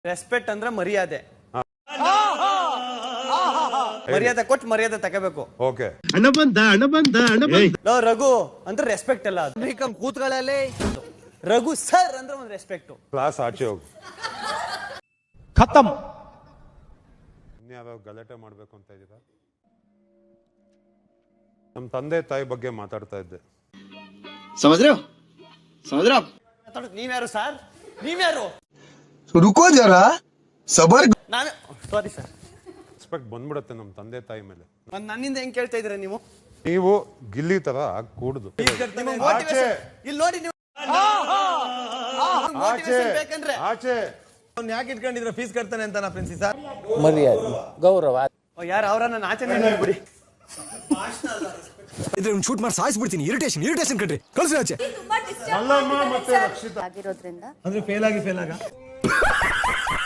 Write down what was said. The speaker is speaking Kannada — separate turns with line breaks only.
ರೆಸ್ಪೆಕ್ಟ್ ಅಂದ್ರೆ ಮರ್ಯಾದೆ. ಮರ್ಯಾದೆ ಕೊಟ್ಟು ಮರ್ಯಾದೆ ತಗೋಬೇಕು.
ಓಕೆ.
ಹಣ ಬಂದ.
ರಘು ಅಂದ್ರೆ ರೆಸ್ಪೆಕ್ಟ್ ಅಲ್ಲ ಅದು. ಕೂತ್ಗಳಲ್ಲಿ ರಘು ಸರ್ ಅಂದ್ರೆ ಒಂದು ರೆಸ್ಪೆಕ್ಟ್.
ಕ್ಲಾಸ್ ಆಚೆ ಹೋಗು.
ಖತಮ್.
ಇನ್ಯಾವ್ಯಾವ ಗಲಾಟೆ ಮಾಡ್ಬೇಕು ಅಂತ ಇದ್ದೀರಾ? ನಮ್ಮ ತಂದೆ ತಾಯಿ ಬಗ್ಗೆ ಮಾತಾಡ್ತಾ ಇದ್ದೆ.
ನೀವ್ಯಾರು ಸರ್? ನೀವ್ಯಾರು?
रुको जरा सबर.
ನಾವೇ ಸಾರಿ ಸರ್.
ರೆಸ್ಪೆಕ್ಟ್ ಬಂದ್ಬಿಡುತ್ತೆ ನಮ್ಮ ತಂದೆ ತಾಯಿ ಮೇಲೆ.
ನನ್ನಿಂದ ಹೆಂಗ್ ಕೇಳ್ತಾ ಇದ್ದೀರಾ ನೀವು?
ನೀವು ಗಿಲ್ಲಿ ತರ ಕೂಡುದು.
ಇಲ್ಲಿ ನೋಡಿ ನೀವು ಬೇಕಂದ್ರೆ
ಆಚೆ
ಯಾಕೆ ಇಟ್ಕೊಂಡಿದ್ರ ಫೀಸ್ ಕಟ್ತಾನೆ ಅಂತ ಪ್ರಿನ್ಸಿ ಸರ್?
ಮರ್ಯಾದೆ ಗೌರವ
ಯಾರು ಅವರನ್ನ ಆಚೆ ಬಿಡಿ.
ಇದ್ರೆ ಶೂಟ್ ಮಾಡಿ ಸಾಯಿಸ್ಬಿಡ್ತೀನಿ. ಇರಿಟೇಷನ್ ಕಟ್ರಿ ಕಳ್ಸಿ ಆಚೆ.
ಮಲ್ಲಮ್ಮ ಮತ್ತೆ ರಕ್ಷಿತಾ
ಆಗಿರೋದ್ರಿಂದ
ಅಂದ್ರೆ ಫೇಲ್ ಆಗ